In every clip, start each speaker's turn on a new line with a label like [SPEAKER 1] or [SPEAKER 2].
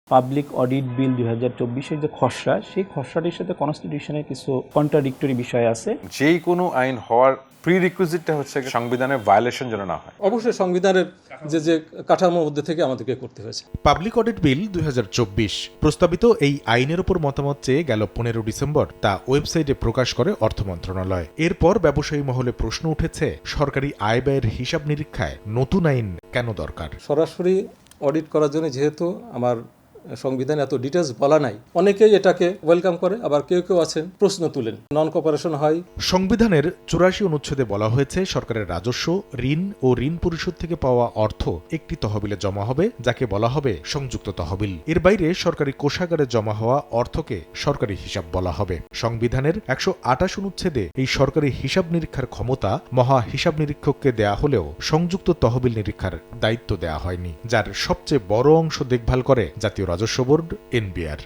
[SPEAKER 1] Public audit বিল 2024-এর যে খসড়া, সেই খসড়াটির সাথে কনস্টিটিউশনের কিছু কন্ট্রাডিক্টরি বিষয় আছে।
[SPEAKER 2] যেই কোনো আইন হওয়ার প্রিরিকুইজিটটা হচ্ছে সংবিধানের ভায়োলেশন যেন না হয়।
[SPEAKER 3] অবশ্যই সংবিধানের যে কাঠামোর মধ্যে থেকে আমাদেরকে করতে হয়েছে।
[SPEAKER 4] পাবলিক অডিট বিল 2024 প্রস্তাবিত এই আইনের উপর মতামত চেয়ে গেল 15 ডিসেম্বর তা ওয়েবসাইটে প্রকাশ করে অর্থ মন্ত্রণালয়। এরপর ব্যবসায়ী মহলে প্রশ্ন উঠেছে, সরকারি আয় ব্যয়ের হিসাব নিরীক্ষায় নতুন আইন কেন দরকার?
[SPEAKER 3] সরাসরি অডিট করার জন্য যেহেতু আমার সংবিধানে এত ডিটেলস বলা নাই, অনেকেই এটাকে ওয়েলকাম করে, আবার কেউ কেউ আছেন প্রশ্ন তুলেন। নন কোঅপারেশন হয়।
[SPEAKER 4] সংবিধানের 84 অনুচ্ছেদে বলা হয়েছে, সরকারের রাজস্ব, ঋণ ও ঋণ পরিশোধ থেকে পাওয়া অর্থ একটি তহবিলে জমা হবে, যাকে বলা হবে সংযুক্ত তহবিল। এর বাইরে সরকারি কোষাগারে জমা হওয়া অর্থকে সরকারি হিসাব বলা হবে। সংবিধানের 128 অনুচ্ছেদে এই সরকারি হিসাব নিরীক্ষার ক্ষমতা মহা হিসাব নিরীক্ষককে দেয়া হলেও সংযুক্ত তহবিল নিরীক্ষার দায়িত্ব দেয়া হয়নি, যার সবচেয়ে বড় অংশ দেখভাল করে জাতীয় রাজস্ব বোর্ড এনবিআর।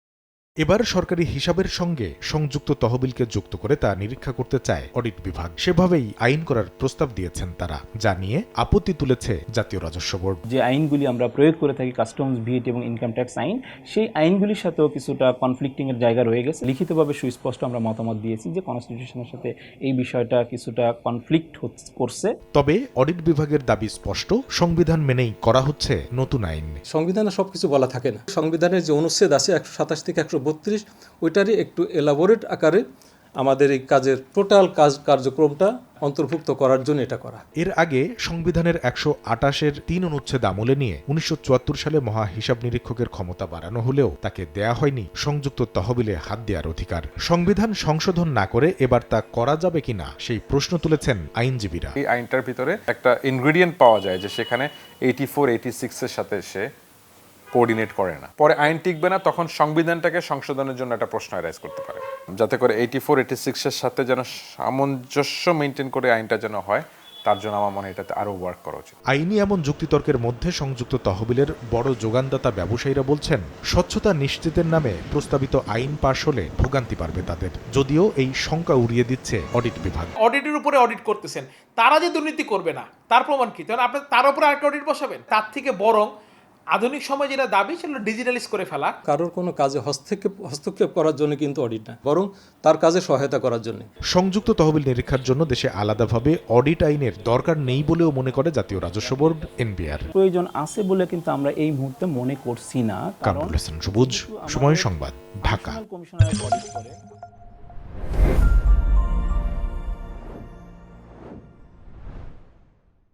[SPEAKER 4] এবার সরকারি হিসাবের সঙ্গে সংযুক্ত তহবিলকে যুক্ত করে তা নিরীক্ষা করতে চায় অডিট বিভাগ। সেভাবেই আইন করার প্রস্তাব দিয়েছেন তারা, যা নিয়ে আপত্তি তুলেছে জাতীয় রাজস্ব বোর্ড।
[SPEAKER 1] যে আইনগুলি আমরা প্রয়োগ করে থাকি, কাস্টমস, ভিট এবং ইনকাম ট্যাক্স আইন, সেই আইনগুলির সাথেও কিছুটা কনফ্লিক্টিং এর জায়গা রয়ে গেছে। লিখিতভাবে সুস্পষ্ট আমরা মতামত দিয়েছি যে কনস্টিটিউশনের সাথে এই বিষয়টা কিছুটা কনফ্লিক্ট করছে।
[SPEAKER 4] তবে অডিট বিভাগের দাবি স্পষ্ট, সংবিধান মেনেই করা হচ্ছে নতুন আইন।
[SPEAKER 3] সংবিধানে সবকিছু বলা থাকে না। সংবিধানের যে অনুচ্ছেদ আছে 127 থেকে 132, ওইটারই একটু এলাবোরেট আকারে আমাদের এই কাজের টোটাল কার্যক্রমটা অন্তর্ভুক্ত করার জন্য এটা করা।
[SPEAKER 4] এর আগে সংবিধানের 128-এর 3 অনুচ্ছেদ আমলে নিয়ে 1974 সালে মহা হিসাব নিরীক্ষকের ক্ষমতা বাড়ানো হলেও তাকে দেয়া হয়নি সংযুক্ত তহবিলে হাত দেওয়ার অধিকার। সংবিধান সংশোধন না করে এবার তা করা যাবে কিনা সেই প্রশ্ন তুলেছেন আইনজীবীরা।
[SPEAKER 2] এই আইনটার ভিতরে একটা ইনগ্রেডিয়েন্ট পাওয়া যায় যে সেখানে 84, 86 এর সাথে সে কোঅর্ডিনেট করে না। পরে আইন টিকবে না, তখন সংবিধানটাকে সংশোধনের জন্য একটা প্রশ্ন রাইজ করতে পারে, যাতে করে 84, 86 এর সাথে যেন সামঞ্জস্য মেনটেন করে আইনটা যেন হয়। তার জন্য আমার মনে হয় এটাতে আরো ওয়ার্ক করা উচিত।
[SPEAKER 4] আইনি এমন যুক্তিতর্কের মধ্যে সংযুক্ত তহবিলের বড় যোগানদাতা ব্যবসায়ীরা বলছেন, স্বচ্ছতা নিশ্চিতের নামে প্রস্তাবিত আইন পাশ হলে ভোগান্তি পারবে তাদের। যদিও এই শঙ্কা উড়িয়ে দিচ্ছে অডিট বিভাগ।
[SPEAKER 5] অডিটের উপরে অডিট করতেছেন, তারা যে দুর্নীতি করবে না তার প্রমাণ কি? তাহলে আপনি তার উপরে আরেকটা অডিট বসাবেন? তার থেকে বরং আধুনিক সময় যেটা দাবি সেটা ডিজিটালাইজ করে ফেলা।
[SPEAKER 3] কারোর কোনো কাজে হস্তক্ষেপ করার জন্য কিন্তু অডিট না, বরং তার কাজে সহায়তা করার জন্য।
[SPEAKER 4] সংযুক্ত তহবিল নিরীক্ষার জন্য দেশে আলাদাভাবে অডিট আইনের দরকার নেই বলেও মনে করে জাতীয় রাজস্ব বোর্ড এনবিআর।
[SPEAKER 1] প্রয়োজন আছে বলে কিন্তু আমরা এই মুহূর্তে মনে করছি না।
[SPEAKER 4] কামরুল হাসান সবুজ, সময় সংবাদ, ঢাকা।
[SPEAKER 1] কমিশনার অডিট করে।